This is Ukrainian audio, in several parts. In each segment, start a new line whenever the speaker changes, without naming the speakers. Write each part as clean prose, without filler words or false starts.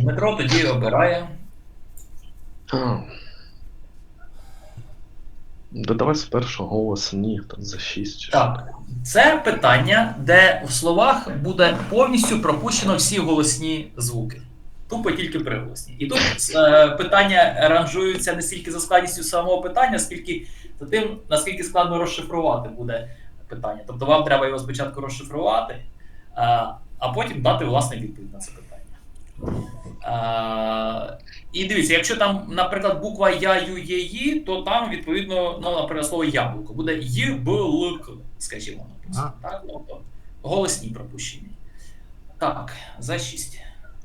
Дмитро тоді обирає.
Додавай з першого голосу ні, там за 6 чи що.
Так, це питання, де в словах буде повністю пропущено всі голосні звуки. Тупо тільки приголосні. І тут питання ранжуються не стільки за складністю самого питання, скільки за тим, наскільки складно розшифрувати буде питання. Тобто вам треба його спочатку розшифрувати, а потім дати власне відповідь на це питання. І дивіться, якщо там, наприклад, буква Я, Ю, Є, Ї, то там, відповідно, ну, наприклад, слово яблуко буде Й, Б, Л, К, скажімо, написано. Так? Тобто голосні пропущені. Так, за 6.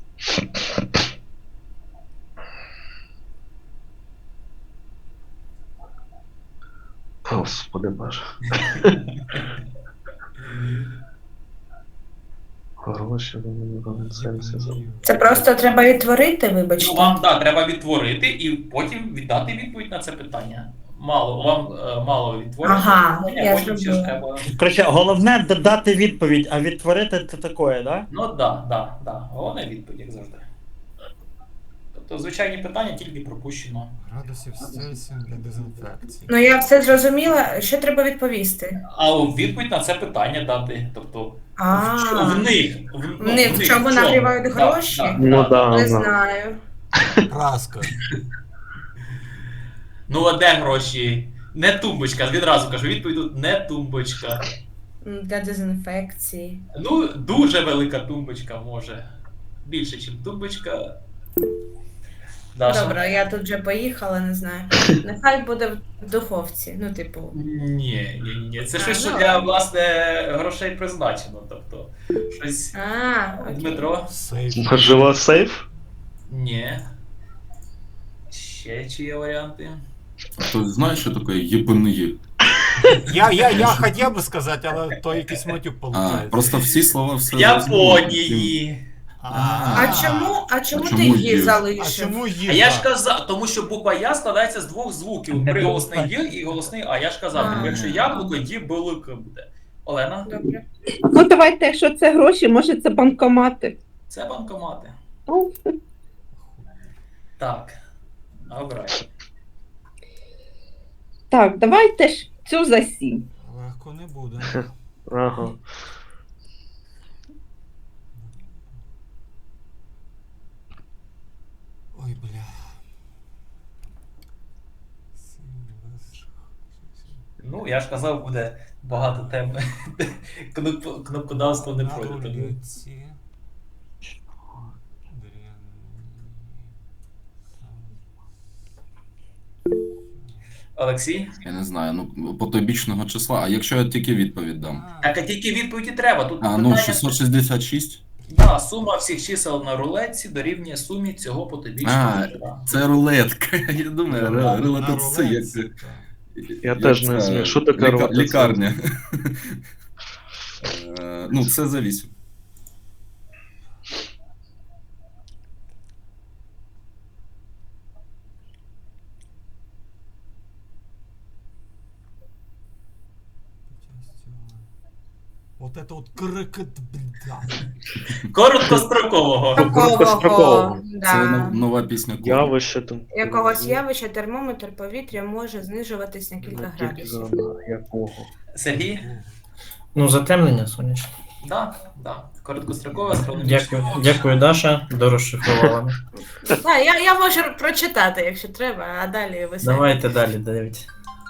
Господи боже. Гроші,
Це просто треба відтворити,
Ну,
вибачте.
вам, так, треба відтворити і потім віддати відповідь на це питання. Вам мало відтворити.
Ага, я
потім ще ж
зрозуміла.
треба...
Короче, головне дати відповідь, а відтворити це таке, да?
Ну, так, да. Головне відповідь, як завжди. Тобто, звичайні питання тільки пропущено.
Градусів з Цельсієм для дезінфекції.
Ну я все зрозуміла. Що треба відповісти?
А відповідь на це питання дати. Тобто,
А,
в них.
в чому нагрівають гроші?
Ну да,
не
да.
знаю.
Праска.
Ну, а де гроші? Не тумбочка. Відразу кажу, відповідь тут не тумбочка.
Для дезінфекції.
Ну, дуже велика тумбочка може. Більше, ніж тумбочка. Даша?
Добре, я тут вже поїхала, не знаю. Нехай буде в духовці. Ну, типу.
Ні. Це
А,
щось, що
ну,
для,
ладно.
власне, грошей призначено. Тобто, щось.
Окей.
Дмитро?
Сейф.
Можливо, сейф?
Ні. Ще чи є варіанти?
Ты знаешь, что такое ебаные?
Я хотів би сказати, але то якийсь матюк
А,
виходить.
просто всі слова все.
Японії.
А чому ти
чому
її
є?
А
залишив?
чому
А
їжа?
я ж казав, тому що буква Я складається з двох звуків. Приголосний Й і голосний А. Я ж казав,
А.
якщо яблуко, Ді, Белик буде. Олена?
Добре.
Ну, давайте, якщо це гроші, може це банкомати.
Це банкомати.
Ну,
Так. Обирай.
так, давайте ж цю за 7.
Легко не буде.
Ага.
Ой, бля.
Ну, я ж казав, буде багато тем. Кнопкодавство не пройде. тому-
Надоліці.
Олексій?
Я не знаю, ну потойбічного числа. А якщо я тільки відповідь дам?
Так, а тільки відповіді треба. Тут
А, ну 666?
Да, сума всіх чисел на рулетці дорівнює сумі цього потойбічного числа.
Це рулетка. Я думаю, рулетка це як.
Я теж не розумію, що таке рулетка?
Лікарня. Ну, це за 8.
Вот это вот крикет, бля.
Короткострокового.
Такого,
Це
да.
нова пісня.
Явище там.
Якогось явища термометр повітря може знижуватись на кілька градусів.
Якого?
Сергій?
Ну, затемнення сонячне.
Да. Короткострокове астрономічне.
Дякую, Даша. Дорозшифрувала.
Так, я можу прочитати, якщо треба, а далі ви самі.
Давайте далі, Давид.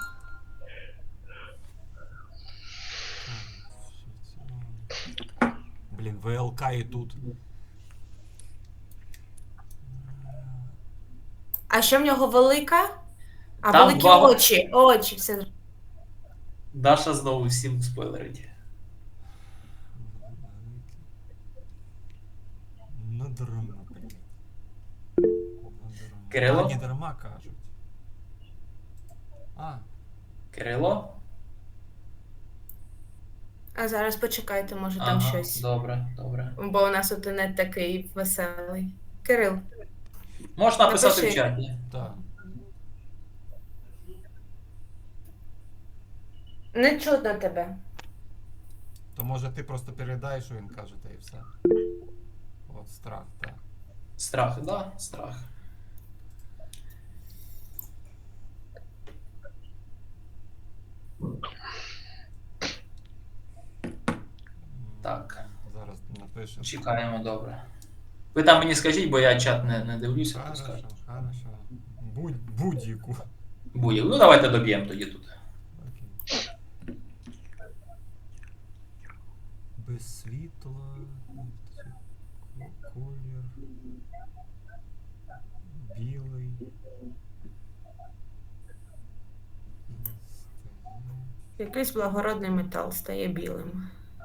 Блін, ВЛК і тут.
А що в нього велика? А
Там
великі
два-
очі, все.
Даша знову всім спойлерить.
Не дарма, блін.
Кирило?
Не дарма кажуть. А,
Кирило?
А зараз почекайте, може там щось.
Добре.
Бо у нас от не такий веселий. Кирил,
Можна написати в
Напиши.
чаті.
так.
не чутно тебе.
То може ти просто передай, що він каже, та і все. От страх, так.
Страх, да, страх. Так,
Зараз напишемо.
чекаємо, добре. Ви там мені скажіть, бо я чат не дивлюся, то
Хорошо,
скажу.
хорошо. Будь-яку.
Будь. Ну давайте доб'ємо тоді тут.
Окей. Без світла. Колір. Білий.
Якийсь благородний метал стає білим.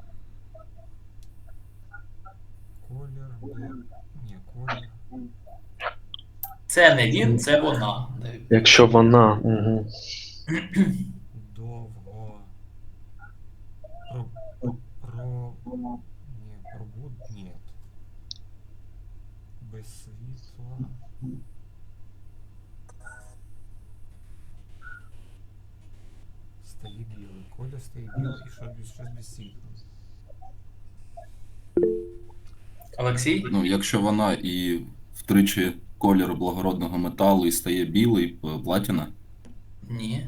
Колір. Ні, колір.
Це не він, це вона.
Якщо вона. Угу.
Довго. Ні, ні. Без світла. Стає білий. Коля стає білий і щось без світла.
Олексій?
Ну, якщо вона і втричі кольору благородного металу і стає білий, платіна.
Ні.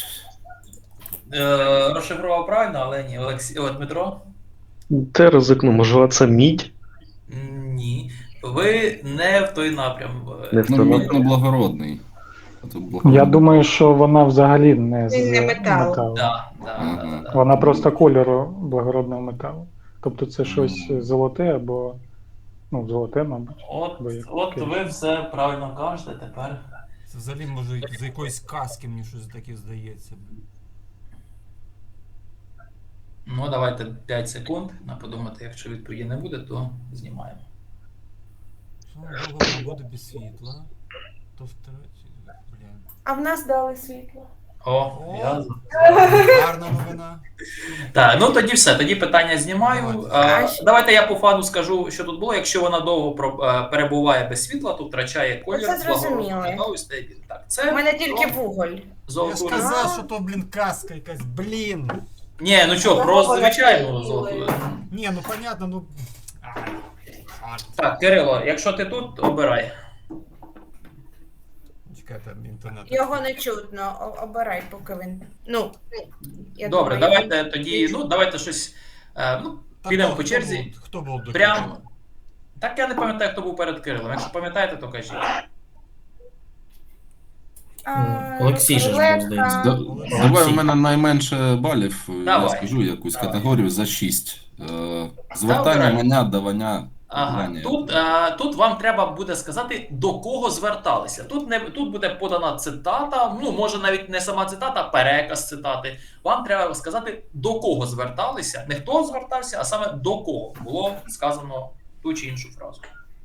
Розшифрував правильно, але ні. Олексій, Дмитро?
Те ризикну, можливо, це мідь?
Ні. Ви не в той напрям.
Не в
Ну,
той
мідь
напрям.
не благородний. А тут
Я
благородний.
думаю, що вона взагалі не з
Він не метал.
металу.
Да.
Вона просто кольору благородного металу. Тобто це щось золоте або. Ну, золоте, мабуть.
От ви все правильно кажете тепер.
Це взагалі може з якоїсь казки мені щось таке здається.
Ну, давайте 5 секунд на подумати, якщо відповіді не буде, то знімаємо.
Що довго буде без світла, то втратить. Блін.
А в нас дали світло.
О, я...
Гарна новина.
Так, ну тоді все, тоді питання знімаю.
Давайте.
Давайте я по фану скажу, що тут було. Якщо вона довго перебуває без світла, то втрачає колір.
Це зрозуміло.
благородного стає білим. Так,
У
це
мене тільки вуголь.
Я ж
золоту.
казав, що то, блін, казка якась, блін.
Ні, ну що, про
Благородного
звичайну
стає білим.
золоту.
Ні, ну понятно, ну. Ай.
Так, Кирило, якщо ти тут, обирай.
Чекайте, інтернет.
Його не чутно. Обирай, поки він. Ну, я
Добре,
думаю,
давайте тоді, ну давайте щось. Ну,
Та
підемо
хто
по черзі.
був- Хто був до
Прям.
Кирила?
Так я не пам'ятаю, хто був перед Кирилом. Якщо пам'ятаєте, то кажіть.
Олексій же ж був,
Леска.
здається.
Давай у мене найменше балів, я
Давай.
скажу якусь
Давай.
категорію за 6. Звертання,
Добре.
мене, давання,
Ага,
давання.
тут вам треба буде сказати, до кого зверталися. Тут буде подана цитата, ну може навіть не сама цитата, а переказ цитати. Вам треба сказати, до кого зверталися, не хто звертався, а саме до кого було сказано ту чи іншу фразу.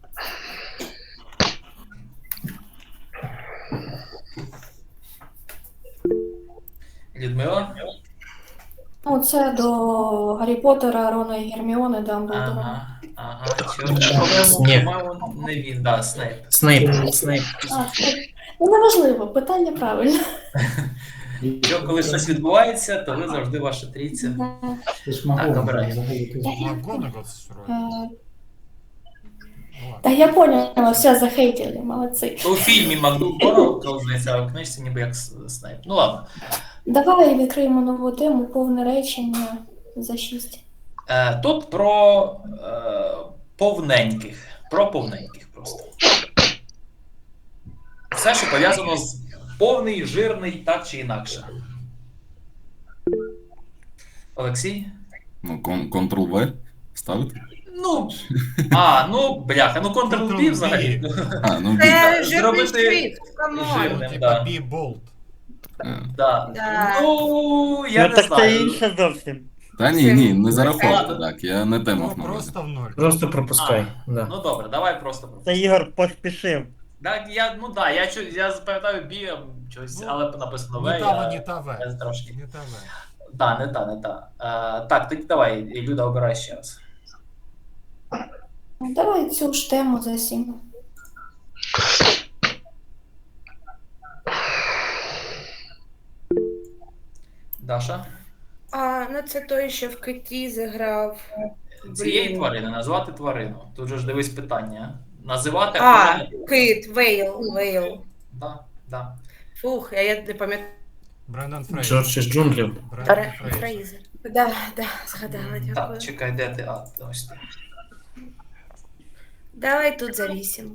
Людмила?
Ну, це до Гаррі Поттера, Рона і Герміони, Дамблдора.
Ага,
Снейп.
по-моєму, не він, да, Снейп.
Снейп.
Ну, неважливо, питання правильне.
Якщо коли щось відбувається, то ви завжди ваша трійця. Так, обирай.
Макгонагал це що робить?
Та я поняла, все, захейтили, молодці.
У фільмі Макдональд, здається, а в книжці ніби як Снейп. Ну ладно.
Давай відкриємо нову тему, повне речення за 6.
Тут про повненьких. Про повненьких просто. Все, що пов'язано з повний, жирний, так чи інакше. Олексій?
Ну, Ctrl-V ставити?
Ну, бляха, ну Ctrl-V взагалі.
А, ну,
Це жирний
Зробити
світ, камон.
жирним,
Типа
да.
Бі Болт.
Да.
Да.
Ну, я
Ну
не
так це
знаю.
інше зовсім.
Та ні, не зараховувати,
Ладно.
так, я не те мав
Ну,
на увазі.
просто в ноль.
Просто пропускай. Да.
Ну добре, давай просто.
Це Ігор поспішив.
Так, я запам'ятаю бі щось, але написано В.
Не та В, не та
Я
В.
трошки.
Не та В.
Так, не та. Так, тоді давай, Люда, обирай ще раз.
Давай цю ж тему за 7.
Даша?
Ну це той, що в киті зіграв.
Цієї
Блін.
тварини назвати тварину. Тут же ж дивись питання. називати
Кит, Вейл.
Да.
Фух, я не пам'ятаю.
Брендан Фрейзер.
Джордж із джунглів.
Брендан Фрейзер.
Фрейзер. Да, згадала,
Так,
дякую.
чекай, де ти? Ось ти.
Давай тут за 8.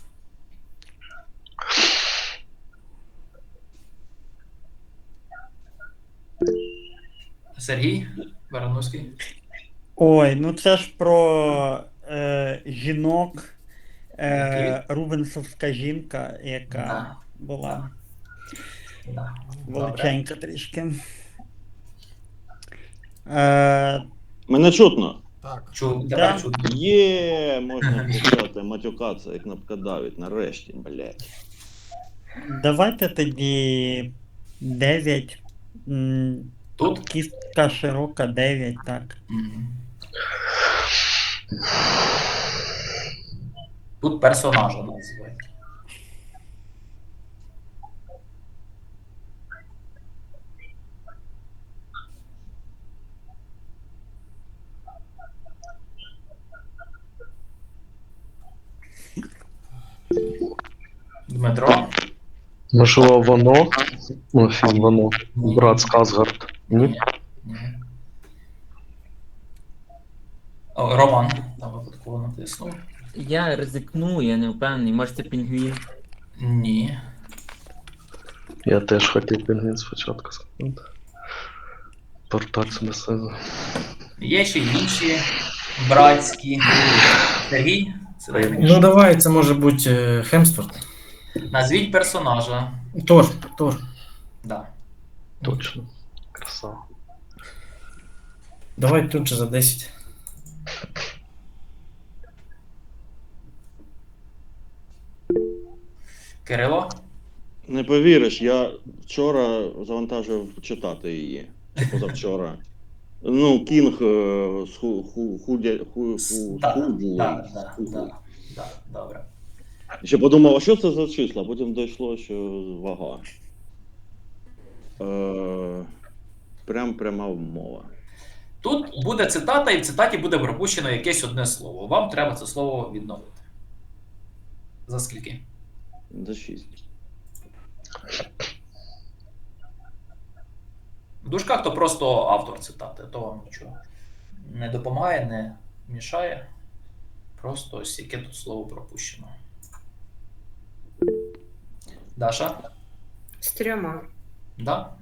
Сергій Барановський.
Ой, ну це ж про жінок.
Окей.
Рубенсовська жінка, яка
Да.
була
Да.
величенька трішки.
Мене чутно.
Так.
Чув,
Да.
тепер чути.
Є, можна почати матюкатися, як кнопкодавить, нарешті, блядь.
Давайте тоді 9.
Тут?
Кістка широка 9, так.
Мгм. Тут персонажа називають. Дмитро.
Можливо, воно. Ну, фільм воно. Брат Сказгард. Ні?
Ні. О, Роман. Там випадково натиснув.
Я ризикну, я не впевнений, може це пінгвін.
Ні.
Я теж хотів пінгвін спочатку сказати. Порталь Смесеза.
Є ще й інші братські. Сергій. Це дай мені.
Ну давай, це може бути Хемсворт.
Назвіть персонажа.
Тор.
Да.
Точно. Красава.
Давай тут же за 10.
Кирило.
Не повіриш, я вчора завантажив читати її. Позавчора. Ну, Кінг
Да, добре.
Ще подумав, а що це за числа? Потім дійшло, що вага. Пряма мова.
Тут буде цитата, і в цитаті буде пропущено якесь одне слово. Вам треба це слово відновити. За скільки?
За 6.
В дужках то просто автор цитати, то вам нічого не допомагає, не мішає. Просто ось яке тут слово пропущено. Даша?
З 3.
Да?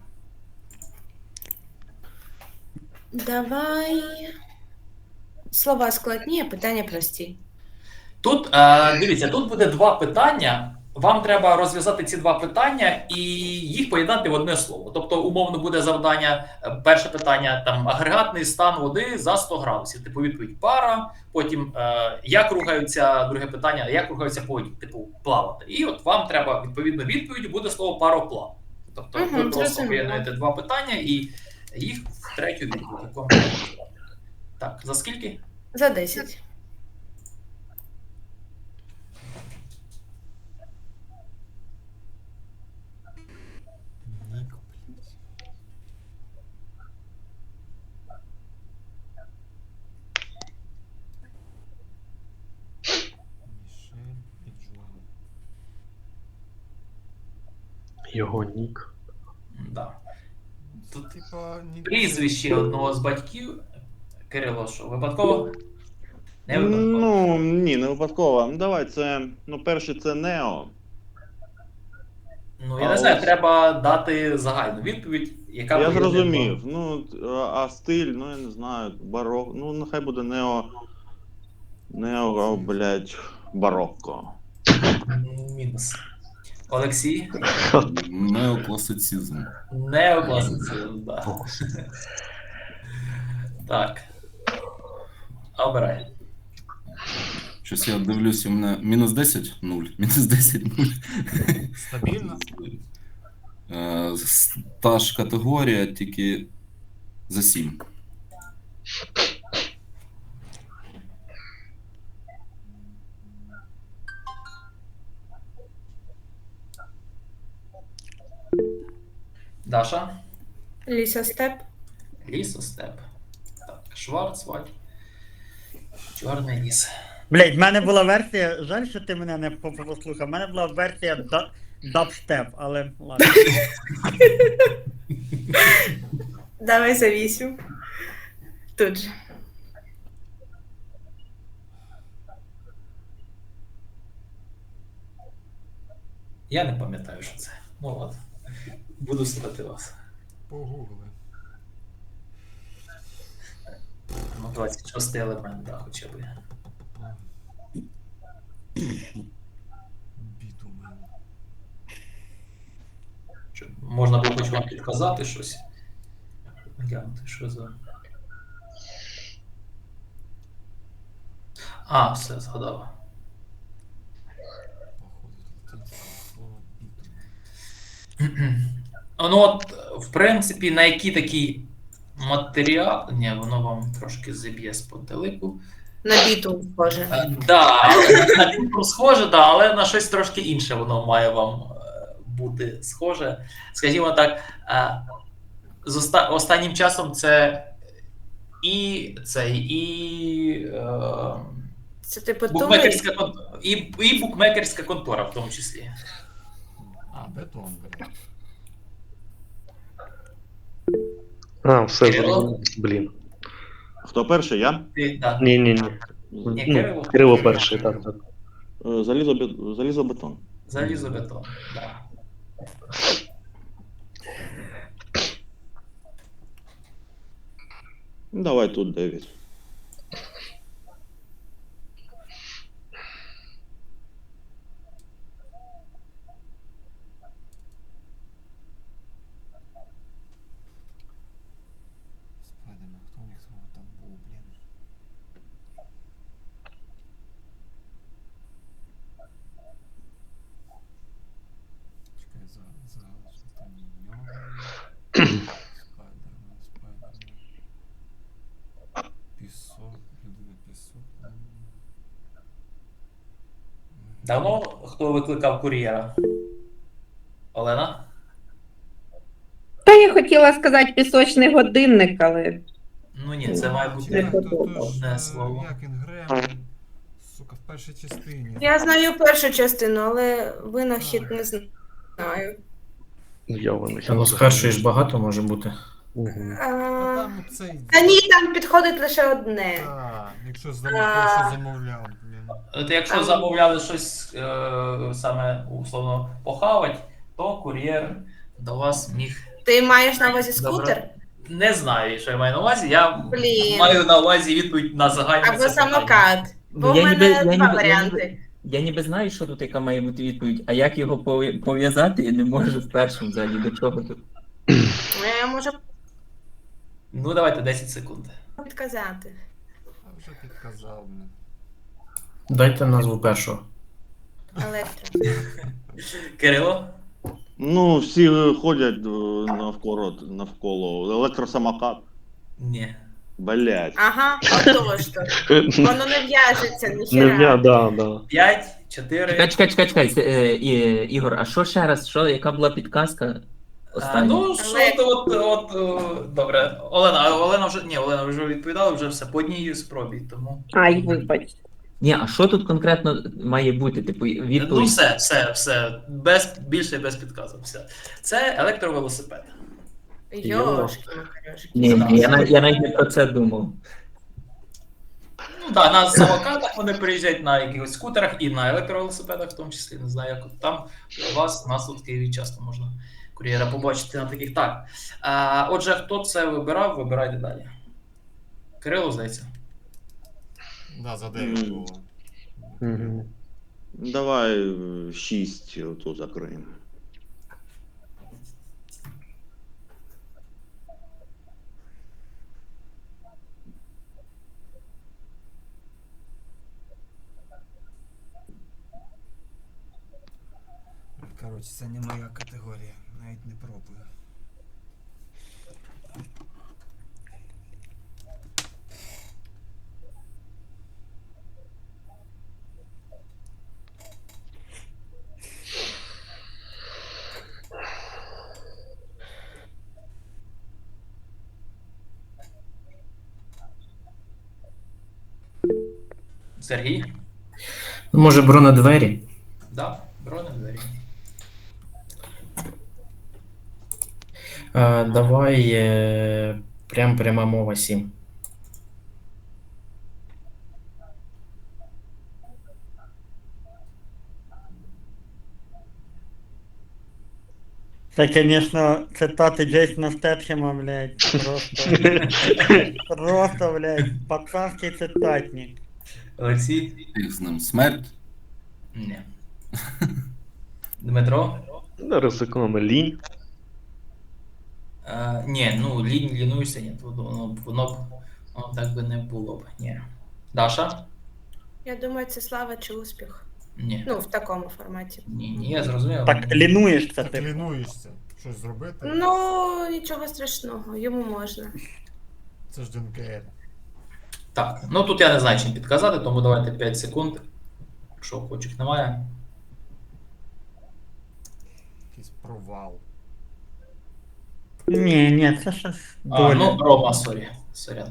Давай. Слова складні, а питання прості.
Тут, дивіться, тут буде 2 питання. Вам треба розв'язати ці 2 питання і їх поєднати в одне слово. Тобто, умовно, буде завдання, перше питання, там, агрегатний стан води за 100 градусів. Типу, відповідь пара, потім, як рухаються, друге питання, як рухаються по воді, типу, плавати. І от вам треба, відповідно, відповідь буде слово пароплав. Тобто, ви просто
зрозуміло.
поєднуєте 2 питання і їх в третю відповідь. Яку вам треба сказати. Так, за скільки?
За 10.
Нік, блядь. Мішель і Джон.
Його нік.
Да. Тут
Типа, ні...
прізвище одного з батьків. Кирило, що, випадково? Не випадково.
Ну, ні, не випадково. Ну, давай, це, ну, перше це Нео.
Ну, я не знаю, треба дати загальну відповідь, яка
Я
поєднує
зрозумів. Ну, а стиль, ну, я не знаю, барок. Ну, нехай буде Нео, блядь, барокко.
мінус. Олексій?
Неокласицизм.
Неокласицизм, да. Так. Обирай.
Щось я дивлюсь, у мене мінус 10 – 0. Мінус 10 – 0.
Стабільно?
Та ж категорія, тільки за 7.
Даша?
Лісостеп.
Лісостеп. Так, Шварцвальд. Чорний ліс.
Блять, в мене була версія. Жаль, що ти мене не послухав. В мене була версія дабстеп, але ладно.
Давай за 8. Тут же.
Я не пам'ятаю, що це. Ну от. Буду слухати вас.
Погугли.
Ну, 26 елемент, да, хоча б.
Бітумен.
Щоб можна було хоч вам підказати щось. Глянути, що за. А, все, згадав.
Походить латинське слово бітумен.
Ну от, в принципі, на які такі матеріал. Ні, воно вам трошки зіб'є з пантелику.
На біту схоже.
Да, на бітум схоже, да, але на щось трошки інше воно має вам бути схоже. Скажімо так, з останнім часом це
Це типу тумель?
букмекерська і букмекерська контора в тому числі.
А, бетон, блядь.
А, все,
Кирило?
зрозумів. Блін.
Хто перший? Я?
Да.
Ні.
Ні, Кирило.
Ну, Кирило перший, так.
Залізобетон.
Залізобетон. Да.
Давай тут 9.
Спайдермен, хто у них там був, блін? Чекай, загалочка там нього. Спайдермен. Пісок, людина пісок.
Давно хто викликав кур'єра? Олена?
Та я хотіла сказати пісочний годинник, але
Ну ні, це має бути
Не
одне слово.
Як Інгрем, сука, в першій частині.
Я знаю першу частину, але винахід не знаю.
Я вони.
Ну, з першої ж багато може бути.
Угу.
Ну
А,
там цей.
Та ні, там підходить лише одне.
Якщо замовляв, блін.
От якщо замовляли щось саме условно похавать, то кур'єр до вас міг.
Ти маєш на увазі
Добре.
скутер?
Не знаю, що я маю на увазі. Я
Блін.
маю на увазі відповідь на загальне
Або
це питання.
самокат. Бо в
Я
мене
ніби- я
два
ніби-
варіанти.
Я ніби знаю, що тут яка має бути відповідь, а як його пов'язати, я не можу в першому взагалі. До чого тут?
Я можу
Ну давайте 10 секунд.
підказати.
А вже підказав, блін.
Дайте назву першого.
Електро.
Кирило?
Ну, всі ходять навколо. Електросамокат.
Ні.
Блять.
Ага, отож то. Воно не в'яжеться,
Не
ніхера.
да.
5, 4.
Чекай, Ігор, а що ще раз? Яка була підказка? Остання.
Ну, що то добре. Олена вже відповідала, вже все по одній спробі, тому.
ай, вибач.
Ні, а що тут конкретно має бути? Типу,
Ну,
відповідь.
все. Більше без підказок. Все. Це електровелосипед.
Йошки, макарьошки.
Ні, я навіть не про це думав.
Ну так, на самокатах вони приїжджають на якихось скутерах і на електровелосипедах, в тому числі. Не знаю, як там у нас тут в Києві часто можна кур'єра побачити на таких. Так. Отже, хто це вибирав, вибирайте далі. Кирило, здається.
Да, за 9 було.
Угу.
Давай 6 оту закриємо.
Коротше, це не моя категорія, навіть не пробую.
Сергій?
Може, бронедвері?
Да, бронедвері.
Давай пряма мова 7.
Це, звісно, цитати Джейсона Стетхема, блядь, просто, просто, блядь, пацанський цитатник.
Олексій?
Їх з ним смерть.
Ні. Дмитро?
Ризикнемо лінь.
Ні, ну лінуєшся, ні, воно так би не було б. Ні. Даша?
Я думаю, це слава чи успіх.
Ні.
Ну, в такому форматі.
Ні, я зрозумів.
Так лінуєшся,
Так
типу.
лінуєшся. Щось зробити?
Ну, нічого страшного, йому можна.
Це ж ДНКР.
Так, ну тут я не знаю, чим підказати, тому давайте 5 секунд. Якщо охочих немає.
Якийсь провал.
Ні, це щось доля.
Ну, Рома, сорі. Сорян.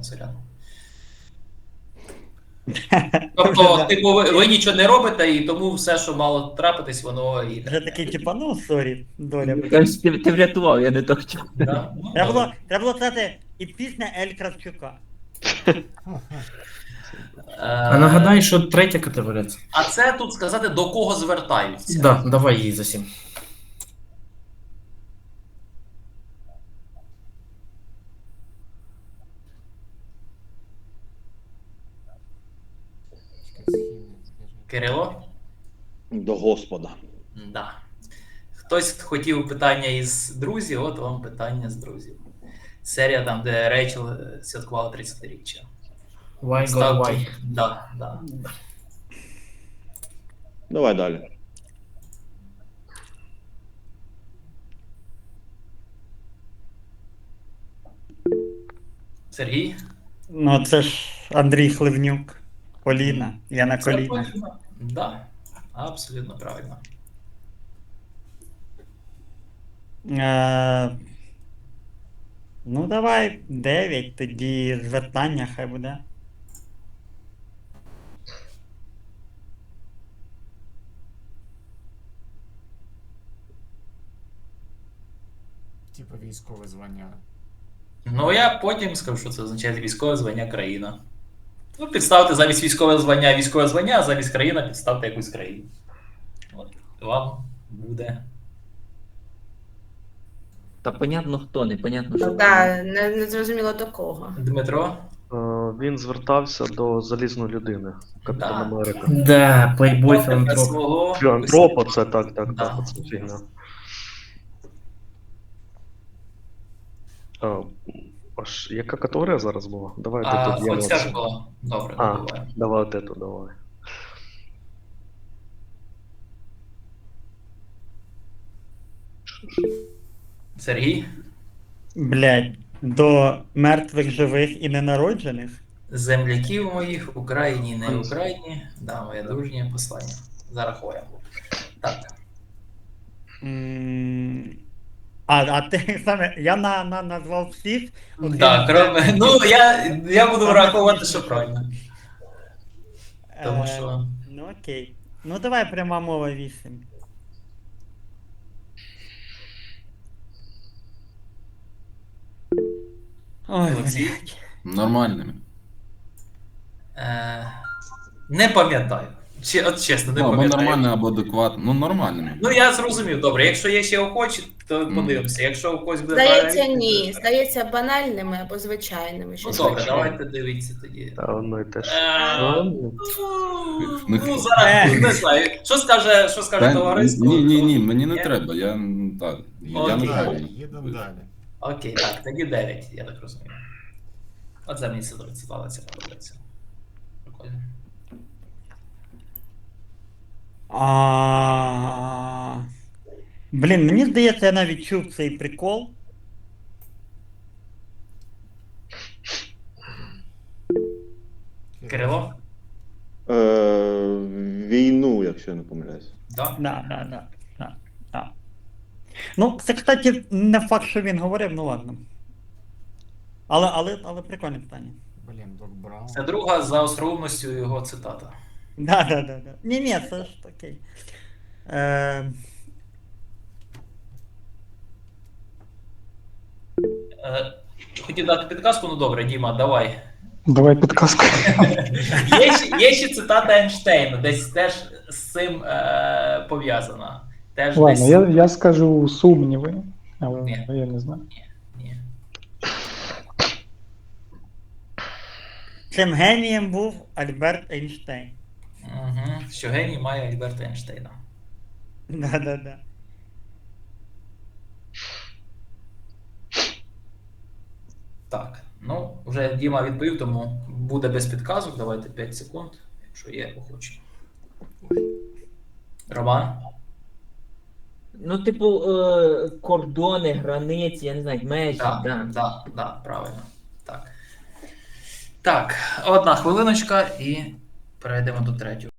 Тобто, типу, ви нічого не робите, і тому все, що мало трапитись, воно і.
Вже такий, типа, ну, сорі, доля.
Кажеш, ти врятував, я не то хотів.
Да? Ну,
Треба було сказати і пісня Ель Кравчука.
А нагадай, що третя категорія це.
А це тут сказати, до кого звертаються.
Да, давай її за 7.
Чекай, східний, скажи.
Кирило?
До Господа.
Да. Хтось хотів питання із друзів, от вам питання з друзів. Серія там, де Рейчел святкувала 30-річчя.
Why God why?
Да.
Давай далі.
Сергій?
Ну, це ж Андрій Хливнюк. Поліна. Я на
Це
колінах.
точно. Да, абсолютно правильно.
Ну, давай 9, тоді звертання хай буде.
Типа військове звання.
Ну, я потім скажу, що це означає військове звання країна. Ну, підставте замість військове звання, а замість країна підставте якусь країну. От вам буде.
Та понятно хто, непонятно що.
Так, не зрозуміло до кого.
Дмитро?
Він звертався до залізної людини. Капітан
Да.
Америка.
Да, плейбой філантроп.
Свого...
Філантропа, це так,
Да.
це фігня. Аж яка категорія зараз була? Давай тут я
Оця ж була. Добре, добуваю.
давай отету, давай.
Сергій?
Блядь, до мертвих, живих і ненароджених?
Земляків моїх в Україні, не в Україні. Да, моє дружнє послання. Зарахуємо. Так.
А ти саме, я назвав всіх. окрім-
Так, ну я буду враховувати, що правильно. Тому що.
Ну окей. Ну давай пряма мова 8. Ой,
Олексій?
блядь.
Нормальними.
Не пам'ятаю. От чесно, не
Ну, або
пам'ятаю.
нормально, або адекватно. Ну, нормальними.
Ну я зрозумів, добре. Якщо є ще охочі, то подивимося. Якщо у когось буде
Здається,
правильна
ні.
відповідь,
Здається, банальними або звичайними.
Ну
щось
добре,
таке.
давайте дивіться тоді.
Та воно і теж.
Ну зараз не знаю. Що скаже товариство?
Ні, мені не треба. Я так. Я не
Окей.
знаю.
Їдемо далі.
Окей, так, тоді 9, я так розумію. От за мені цитата ця подобається. Прикольно.
Блін, мені здається, я навіть чув цей прикол.
Кирило?
Війну, якщо я не помиляюсь.
Да?
Да. Ну, це, кстати, не факт, що він говорив, ну ладно. Але прикольне питання.
Блін, Док Браун.
Це друга за остроумністю його цитата.
Да. Ні, це ж окей.
Хотів дати підказку, ну добре, Діма, давай.
Давай підказку.
Є ще цитата Ейнштейна, десь теж з цим пов'язана. Теж
Ладно,
десь...
я скажу сумніви, але
Ні.
я не знаю.
Ні.
Цим генієм був Альберт Ейнштейн.
Угу. Що геній має Альберта Ейнштейна.
Да.
Так, ну, вже Діма відповів, тому буде без підказок. Давайте 5 секунд, якщо є охочі. Роман?
Ну, типу, кордони, границі, я не знаю, межі,
Да, правильно. Так. Так, одна хвилиночка і перейдемо до третього.